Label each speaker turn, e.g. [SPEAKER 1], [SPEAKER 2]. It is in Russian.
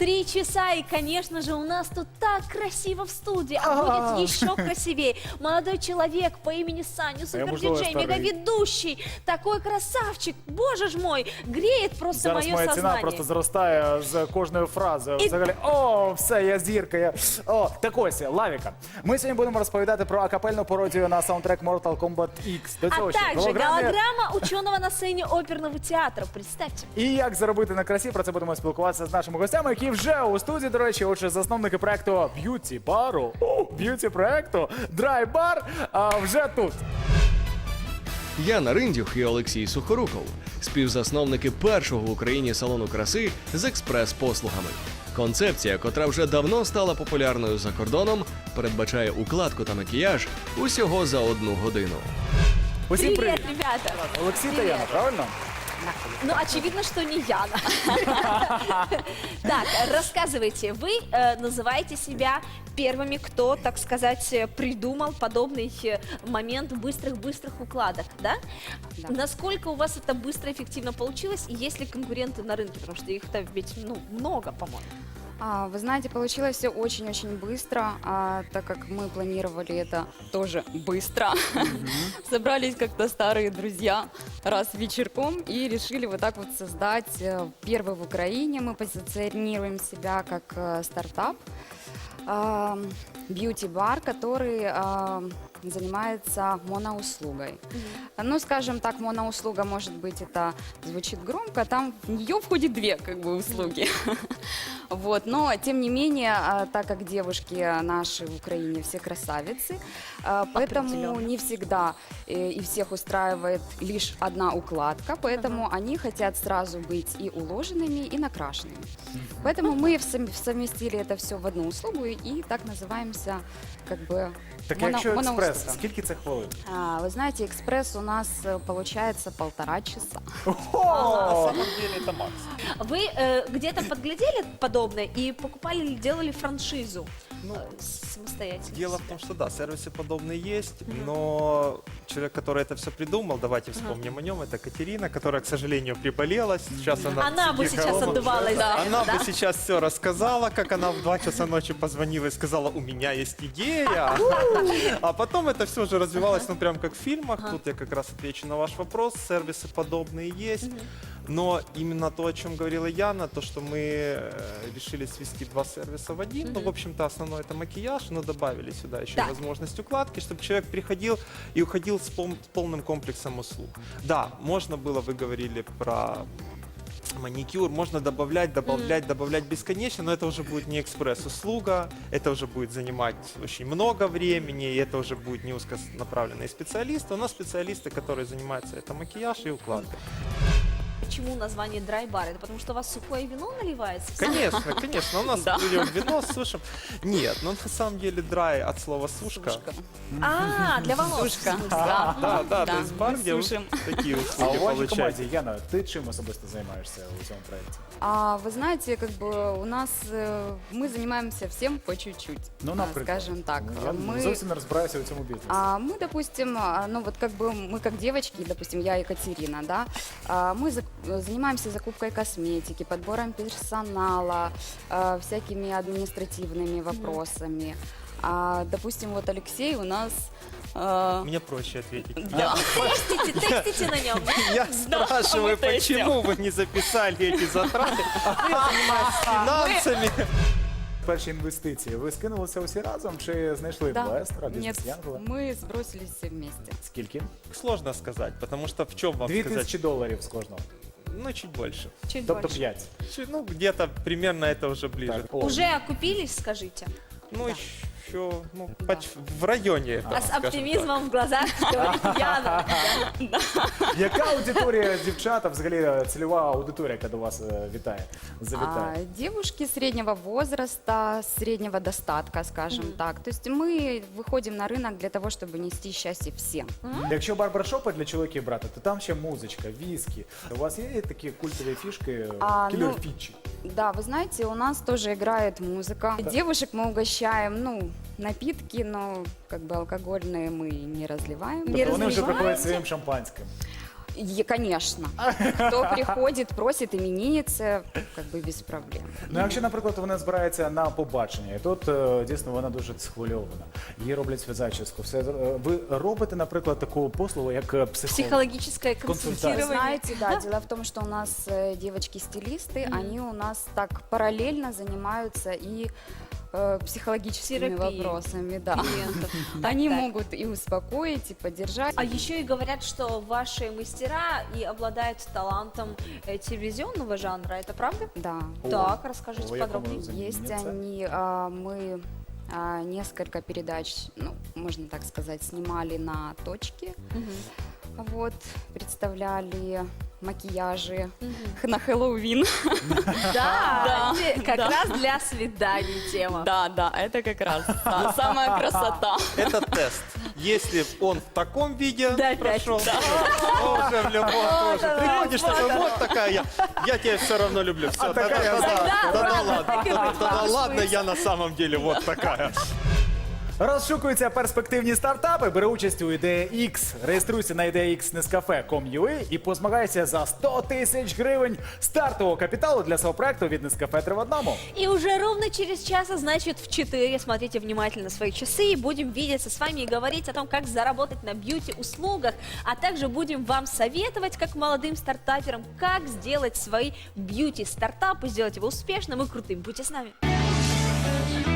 [SPEAKER 1] 3 часа, и, конечно же, у нас тут так красиво в студии, а будет еще красивее. Молодой человек по имени Саня, супер-диджей, мегаведущий, такой красавчик, боже ж мой, греет просто
[SPEAKER 2] Зараз
[SPEAKER 1] мое
[SPEAKER 2] моя ціна
[SPEAKER 1] сознание.
[SPEAKER 2] просто зростає з кожною фразою. Взагалі, о, все, я зірка. О, так ось, Лавіка. Ми сьогодні будемо розповідати про акапельну пародію на саундтрек Mortal Kombat X. До
[SPEAKER 1] А
[SPEAKER 2] цього ще
[SPEAKER 1] также голограмма ученого на сцене оперного театра, представьте.
[SPEAKER 2] І як заробити на красі, про це будемо спілкуватися з нашими гостями, які вже у студії, до речі, отже, засновники проекту б'юті-бару, б'юті-проекту Dry Bar, вже тут.
[SPEAKER 3] Яна Риндюх і Олексій Сухоруков – співзасновники першого в Україні салону краси з експрес-послугами. Концепція, котра вже давно стала популярною за кордоном, передбачає укладку та макіяж усього за 1 годину.
[SPEAKER 2] Усім
[SPEAKER 1] Привет,
[SPEAKER 2] привіт.
[SPEAKER 1] ребята.
[SPEAKER 2] Олексій та
[SPEAKER 1] Привіт.
[SPEAKER 2] Яна, правильно?
[SPEAKER 1] Ну, очевидно, что не Яна. Так, рассказывайте. Вы называете себя первыми, кто, так сказать, придумал подобный момент быстрых укладок, да?
[SPEAKER 4] Да.
[SPEAKER 1] Насколько у вас это быстро, эффективно получилось? И есть ли конкуренты на рынке? Потому что их-то ведь, много, по-моему.
[SPEAKER 4] Вы знаете, получилось все очень-очень быстро, так как мы планировали это тоже быстро. Собрались как-то старые друзья раз вечерком и решили вот так вот создать первый в Украине. Мы позиционируем себя как стартап, бьюти-бар, который занимается моноуслугой. Ну, скажем так, моноуслуга, может быть, это звучит громко, там в нее входит 2 как бы услуги. Вот, но, тем не менее, так как девушки наши в Украине все красавицы, поэтому не всегда и всех устраивает лишь одна укладка, поэтому они хотят сразу быть и уложенными, и накрашенными. Поэтому мы совместили это все в одну услугу и так называемся как бы
[SPEAKER 2] Так якщо експрес,
[SPEAKER 4] моноуслуга.
[SPEAKER 2] скільки це хвилин?
[SPEAKER 4] Вы знаете, экспресс у нас получается 1,5 часа.
[SPEAKER 5] На самом деле это макс.
[SPEAKER 1] Вы где-то подглядели подобное и покупали или делали франшизу самостоятельно?
[SPEAKER 5] Дело в том, что да, сервисы подобные есть, но человек, который это все придумал, давайте вспомним о нем, это Катерина, которая, к сожалению, приболела. Сейчас
[SPEAKER 1] Она бы
[SPEAKER 5] сидит
[SPEAKER 1] сейчас
[SPEAKER 5] дома.
[SPEAKER 1] отдувалась, да?
[SPEAKER 5] Она бы сейчас все рассказала, как она в 2 часа ночи позвонила и сказала, у меня есть идея. А потом это все уже развивалось, ну прям как в фильмах. Тут я как раз отвечу на ваш вопрос. Сервисы подобные есть. Но именно то, о чем говорила Яна, то, что мы решили свести 2 сервиса в один. Ну, в общем-то, основной это макияж, но добавили сюда еще
[SPEAKER 1] Да.
[SPEAKER 5] возможность укладки, чтобы человек приходил и уходил с полным комплексом услуг. Да, можно было, вы говорили про маникюр, можно добавлять бесконечно, но это уже будет не экспресс-услуга, это уже будет занимать очень много времени, и это уже будет не узконаправленные специалисты. У нас специалисты, которые занимаются это макияж и укладкой.
[SPEAKER 1] Почему название драй-бар? Это потому что у вас сухое вино наливается?
[SPEAKER 5] Конечно, у нас берем вино, сушим. Нет, но на самом деле драй от слова сушка.
[SPEAKER 1] Для волос.
[SPEAKER 4] Сушка.
[SPEAKER 5] Да, то есть бар,
[SPEAKER 4] мы
[SPEAKER 5] где вот
[SPEAKER 4] сушим.
[SPEAKER 5] такие
[SPEAKER 2] А
[SPEAKER 5] услуги
[SPEAKER 2] у вашій
[SPEAKER 5] получаете.
[SPEAKER 2] команді, Яна, ти чим особисто займаєшся у цьому проєкті?
[SPEAKER 4] Вы знаете, как бы у нас мы занимаемся всем по чуть-чуть,
[SPEAKER 2] Ну, наприклад.
[SPEAKER 4] скажем так.
[SPEAKER 2] Я
[SPEAKER 4] Мы,
[SPEAKER 2] зовсім не розбираюся у цьому бізнесі.
[SPEAKER 4] мы, допустим, ну вот как бы мы как девочки, допустим, я и Екатерина, да, мы занимаемся закупкой косметики, подбором персонала, всякими административными вопросами. Допустим, вот Алексей у нас...
[SPEAKER 5] Мне проще ответить.
[SPEAKER 4] Да.
[SPEAKER 1] Текстите на нем.
[SPEAKER 5] Я спрашиваю, почему вы не записали эти затраты? А я занимаюсь финансами.
[SPEAKER 2] Перші інвестиції. Ви скинулися усі разом чи знайшли інвестора,
[SPEAKER 4] Нет,
[SPEAKER 2] бізнес-янгола?
[SPEAKER 4] мы сбросились все вместе.
[SPEAKER 2] Скільки?
[SPEAKER 5] Сложно сказать, потому что в чем вам сказать?
[SPEAKER 2] $2000 з кожного.
[SPEAKER 5] Ну, чуть больше.
[SPEAKER 1] Чуть
[SPEAKER 2] Тобто
[SPEAKER 1] больше.
[SPEAKER 2] 5.
[SPEAKER 5] Ну, где-то примерно это уже ближе.
[SPEAKER 2] Так, о.
[SPEAKER 1] Уже окупились, скажите?
[SPEAKER 5] Ну, еще, ну, в районе этого,
[SPEAKER 1] А с
[SPEAKER 5] скажем так.
[SPEAKER 1] оптимизмом в глазах говорит Яна.
[SPEAKER 2] Яка аудиторія дівчата, взагалі цільова аудиторія, яка до вас завітає?
[SPEAKER 4] Девушки среднего возраста, среднего достатка, скажем так. То есть мы выходим на рынок для того, чтобы нести счастье всем.
[SPEAKER 2] Якщо барбершопи для чоловіків брати, то там ще музичка, віскі. У вас є такі культові фішки, кілер-фічі?
[SPEAKER 4] Да, вы знаете, у нас тоже играет музыка. Девушек мы угощаем, ну, напитки, но как бы алкогольные мы не разливаем.
[SPEAKER 1] Не
[SPEAKER 2] Тобто вони вже
[SPEAKER 1] розливаєте?
[SPEAKER 2] приходять своїм шампанським.
[SPEAKER 4] Конечно. Кто приходит, просит именинницы, как бы без проблем.
[SPEAKER 2] Ну, якщо, наприклад, вона збирається на побачення, і тут дійсно вона дуже схвильована, їй роблять зачіску, все. Ви робите, наприклад, таку послугу, як психолог?
[SPEAKER 1] Психологическое
[SPEAKER 2] Консультация.
[SPEAKER 4] Вы
[SPEAKER 1] консультирование.
[SPEAKER 4] знаете, да, дело в том, что у нас девочки-стилисты, они у нас так параллельно занимаются и психологическими
[SPEAKER 1] Терапией
[SPEAKER 4] вопросами, да.
[SPEAKER 1] клиентов.
[SPEAKER 4] Они
[SPEAKER 1] Так.
[SPEAKER 4] могут и успокоить, и поддержать.
[SPEAKER 1] А еще и говорят, что ваши мастера и обладают талантом телевизионного жанра. Это правда?
[SPEAKER 4] Да.
[SPEAKER 1] Так, расскажите
[SPEAKER 2] О, я
[SPEAKER 1] подробнее.
[SPEAKER 2] помню.
[SPEAKER 4] Есть
[SPEAKER 2] Занимается.
[SPEAKER 4] они, мы несколько передач, ну, можно так сказать, снимали на точке. Вот, представляли макияжи на Хэллоуин.
[SPEAKER 1] Да, как раз для свиданий тема.
[SPEAKER 4] Да, это как раз самая красота.
[SPEAKER 5] Это тест. Если он в таком виде
[SPEAKER 1] Да,
[SPEAKER 5] прошел, то уже в любом тоже. Приходишь такой, вот такая я тебя все равно люблю. Все, тогда ладно. Тогда ладно, я на самом деле вот такая.
[SPEAKER 2] Розшукуються перспективні стартапи, бери участь у «Ідея X». Реєструйся на ideax.nescafe.com.ua і позмагайся за 100 тисяч гривень стартового капіталу для свого проекту від Nescafe 3 в одному.
[SPEAKER 1] И уже ровно через час, а значит в 4, смотрите внимательно свои часы, и будем видеться с вами и говорить о том, как заработать на бьюти-услугах, а также будем вам советовать, как молодым стартаперам, как сделать свои бьюти-стартапы, сделать его успешным и крутым. Будьте с нами.